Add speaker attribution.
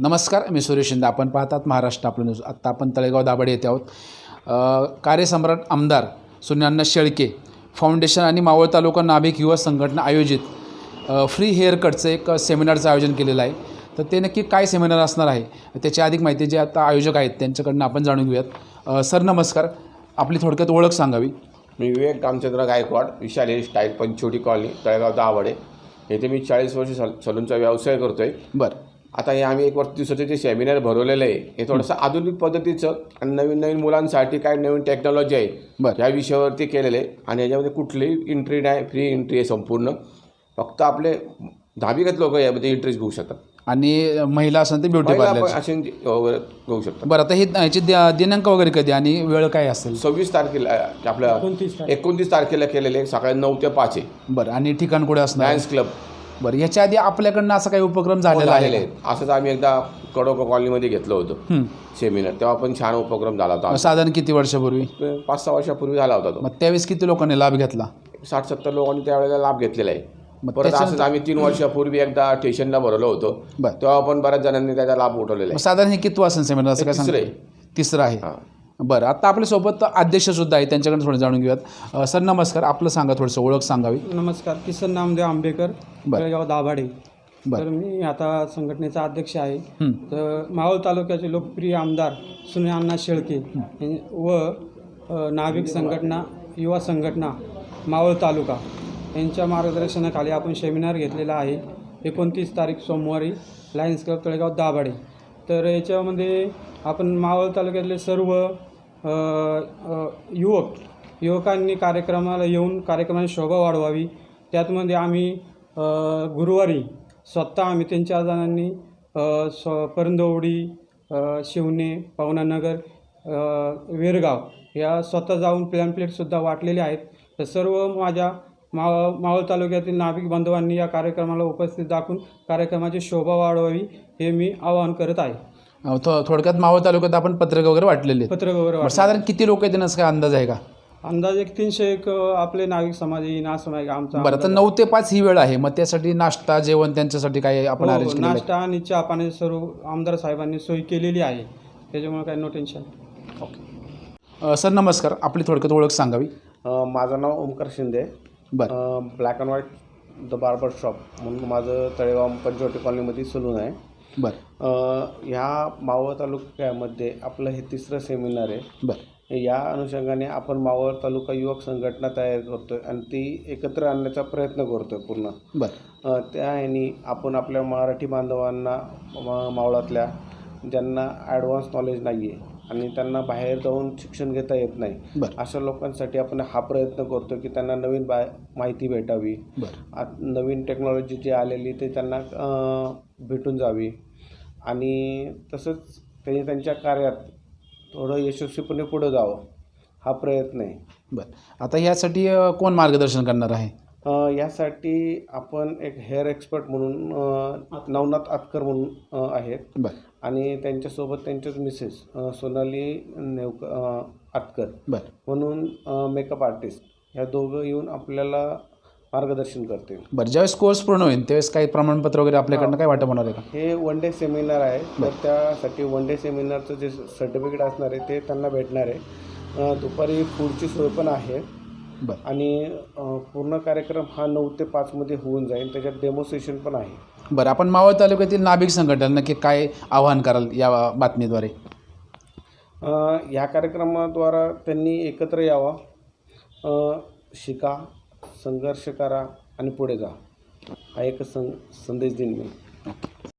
Speaker 1: नमस्कार, मी सुरेश शिंदे. आपण पाहतात महाराष्ट्र आपलं न्यूज. आत्ता आपण तळेगाव दाभाडे येथे आहोत. कार्यसम्राट आमदार सुनील शेळके फाउंडेशन आणि मावळ तालुका नाभिक युवा संघटना आयोजित फ्री हेअर कटचं एक सेमिनारचं आयोजन केलेलं आहे. तर ते नक्की काय सेमिनार असणार आहे त्याची अधिक माहिती जे आता आयोजक आहेत त्यांच्याकडनं आपण जाणून घेऊयात. सर नमस्कार, आपली थोडक्यात ओळख सांगावी.
Speaker 2: मी Vivek Ramchandra Gaikwad, Vishal hair style, Panchavati colony, Talegaon Dabhade येथे मी 40 वर्ष सलूनचा व्यवसाय करतो आहे.
Speaker 1: बरं,
Speaker 2: आता हे आम्ही 1 वर्ष दिवसाचे जे सेमिनार भरवलेलं आहे हे थोडंसं आधुनिक पद्धतीचं आणि नवीन मुलांसाठी काय नवीन टेक्नॉलॉजी आहे
Speaker 1: बरं,
Speaker 2: ह्या विषयावरती केलेलं आहे. आणि याच्यामध्ये कुठलीही एंट्री नाही, फ्री एंट्री आहे संपूर्ण. फक्त आपले धाबिगत लोक यामध्ये इंटरेस्ट घेऊ शकतात
Speaker 1: आणि महिला असेल तर ब्युटी पार्लर
Speaker 2: असे घेऊ शकतात.
Speaker 1: बरं, आता हे याची दिनांक वगैरे कधी आणि वेळ काय असेल?
Speaker 2: 26 तारखेला आपल्या 29 तारखेला केलेले आहे, सकाळी 9 ते 5 आहे.
Speaker 1: बरं, आणि ठिकाण कुठे असणार?
Speaker 2: Lions club.
Speaker 1: बरं, याच्या आधी आपल्याकडनं असा काही उपक्रम झालेला आहे?
Speaker 2: असंच आम्ही एकदा कडोका कॉलनीमध्ये घेतलं होतं सेमिनार, तेव्हा पण छान उपक्रम झाला होता.
Speaker 1: साधारण किती वर्षापूर्वी?
Speaker 2: 5-6 वर्षापूर्वी झाला होता तो.
Speaker 1: मग त्यावेळेस किती लोकांनी लाभ घेतला?
Speaker 2: 60-70 लोकांनी त्यावेळेला लाभ घेतलेला आहे.
Speaker 1: मग
Speaker 2: परत असंच आम्ही 3 वर्षापूर्वी एकदा स्टेशनला भरवलं होतं,
Speaker 1: बरं,
Speaker 2: तेव्हा पण बऱ्याच जणांनी त्याचा लाभ उठवलेला
Speaker 1: मग साधारण हे किती असेल सेमिनार? असं काय सांगता? तिसरं आहे. बरं, आता आपल्यासोबत अध्यक्षसुद्धा आहे, त्यांच्याकडे थोडं जाणून घेऊयात. सर नमस्कार, आपलं सांगा, थोडंसं ओळख सांगावी.
Speaker 3: नमस्कार, किसन नामदेव आंबेकर, तळेगाव दाभाडे.
Speaker 1: बरं.
Speaker 3: तर मी आता संघटनेचा अध्यक्ष आहे. तर मावळ तालुक्याचे लोकप्रिय आमदार सुनील शेळके व नाभिक संघटना युवा संघटना मावळ तालुका यांच्या मार्गदर्शनाखाली आपण सेमिनार घेतलेला आहे. 29 तारीख सोमवारी लायन्स क्लब तळेगाव दाभाडे. तर याच्यामध्ये आपण मावळ तालुक्यातले सर्व युवकांनी कार्यक्रमाला येऊन कार्यक्रमाची शोभा वाढवावी. त्यातमध्ये आम्ही गुरुवारी स्वतः आम्ही 3-4 जणांनी परंदवडी, शिवणे, पवनानगर, वेरगाव या स्वतः जाऊन प्लॅम्पलेटसुद्धा वाटलेले आहेत. तर सर्व माझ्या मावळ तालुक्यातील नाभिक बांधवांनी या कार्यक्रमाला उपस्थित दाखवून कार्यक्रमाची शोभा वाढवावी हे मी आवाहन करत आहे.
Speaker 1: थोडक्यात मावळ तालुक्यात आपण पत्रक वगैरे वाटलेले आहेत.
Speaker 3: पत्रक वगैरे
Speaker 1: साधारण किती लोक आहेत असं काय अंदाज आहे का?
Speaker 3: अंदाज 300 आपले नाविक समाज येईन असं नाही का आमचा.
Speaker 1: बरं, तर 9 ते 5 ही वेळ आहे. मग त्यासाठी नाश्ता जेवण त्यांच्यासाठी काय आपण अरेंज केलं?
Speaker 3: नाश्ता आणि चहा पाण्याची सर्व आमदार साहेबांनी सोय केलेली आहे, त्याच्यामुळे काही नो टेन्शन.
Speaker 1: ओके. सर नमस्कार, आपली थोडक्यात ओळख सांगावी.
Speaker 2: माझं नाव ओमकार शिंदे.
Speaker 1: बरं,
Speaker 2: black and white the barber shop म्हणून माझं तळेगाव पंचवटी कॉलनीमध्ये सलून आहे.
Speaker 1: बरं,
Speaker 2: ह्या मावळ तालुक्यामध्ये आपलं हे 3रं सेमिनार आहे.
Speaker 1: बरं,
Speaker 2: या अनुषंगाने आपण मावळ तालुका युवक संघटना तयार करतो आहे आणि ती एकत्र आणण्याचा प्रयत्न करतो आहे पूर्ण.
Speaker 1: बरं,
Speaker 2: त्या ह्यानी आपण आपल्या मराठी बांधवांना मावळातल्या ज्यांना ॲडव्हान्स नॉलेज नाही आहे आणि त्यांना बाहेर जाऊन शिक्षण घेता येत नाही,
Speaker 1: बरं,
Speaker 2: अशा लोकांसाठी आपण हा प्रयत्न करतो की त्यांना नवीन माहिती भेटावी.
Speaker 1: बरं,
Speaker 2: नवीन टेक्नॉलॉजी जी आलेली ते त्यांना भेटून जावी आणि तसंच त्यांनी त्यांच्या कार्यात थोडं यशस्वीपणे पुढं जावं, हा प्रयत्न आहे.
Speaker 1: बरं, आता यासाठी कोण मार्गदर्शन करणार आहे?
Speaker 2: यासाठी आपण एक हेअर एक्सपर्ट म्हणून नवनाथ आतकर म्हणून आहेत.
Speaker 1: बरं,
Speaker 2: आणि त्यांच्यासोबत त्यांच्याच मिसेस सोनाली आतकर
Speaker 1: बरं,
Speaker 2: म्हणून मेकअप आर्टिस्ट, ह्या दोघं येऊन आपल्याला मार्गदर्शन करते.
Speaker 1: बरं, ज्यावेळेस कोर्स पूर्ण होईल त्यावेळेस काही प्रमाणपत्र वगैरे आपल्याकडनं काय वाटप होणार आहे का?
Speaker 2: हे 1 डे सेमिनार आहे, तर त्यासाठी 1 डे सेमिनारचं जे सर्टिफिकेट असणार आहे ते त्यांना भेटणार आहे. दुपारी फूडची सोय पण आहे.
Speaker 1: बरं,
Speaker 2: आणि पूर्ण कार्यक्रम हा 9 ते 5 मध्ये होऊन जाईल. त्याच्यात डेमॉन्स्ट्रेशन पण आहे.
Speaker 1: बरं, आपण मावळ तालुक्यातील नाभिक संघटना नक्की काय आवाहन कराल या बातमीद्वारे?
Speaker 2: ह्या कार्यक्रमाद्वारा त्यांनी एकत्र यावं, शिका, संघर्ष करा आणि पुढे जा, हा एक संदेश देईन मी.